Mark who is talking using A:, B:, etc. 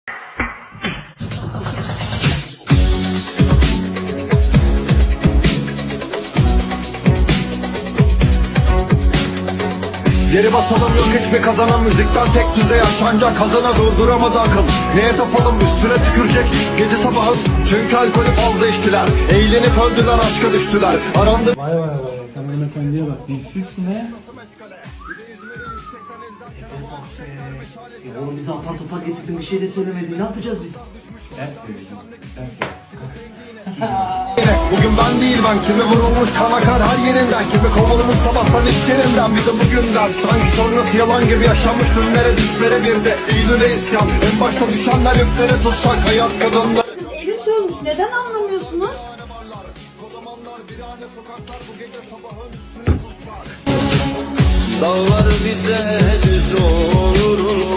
A: Geri basalım, yok hiçbir kazanan, müzikten tek düze yaşanacak hazına durduramadı akıl. Neye tapalım, üstüne tükürecek gece sabahın, çünkü alkolü fazla içtiler. Eğlenip öldüler, aşka düştüler. Arandı.
B: Vay vay vay, sen hanımefendiye bak, dilsizsin he.
C: Ya oğlum bize apar topar getirdin, bir şey de söylemedin, ne yapacağız biz?
B: Ben söyleyeceğim, sen söyle.
A: Bugün ben değil ben, kimi vurulmuş kan akar her yerinden, kimi kovulmuş sabahtan iş yerinden, bir de bugünden. Sanki sonrası yalan gibi yaşanmış dünlere, dislere bir de Eylül'e isyan. En başta düşenler yükleri tutsak, hayat kadınlar.
D: Evim sönmüş, neden anlamıyorsunuz?
E: Dağlar bize düz olur.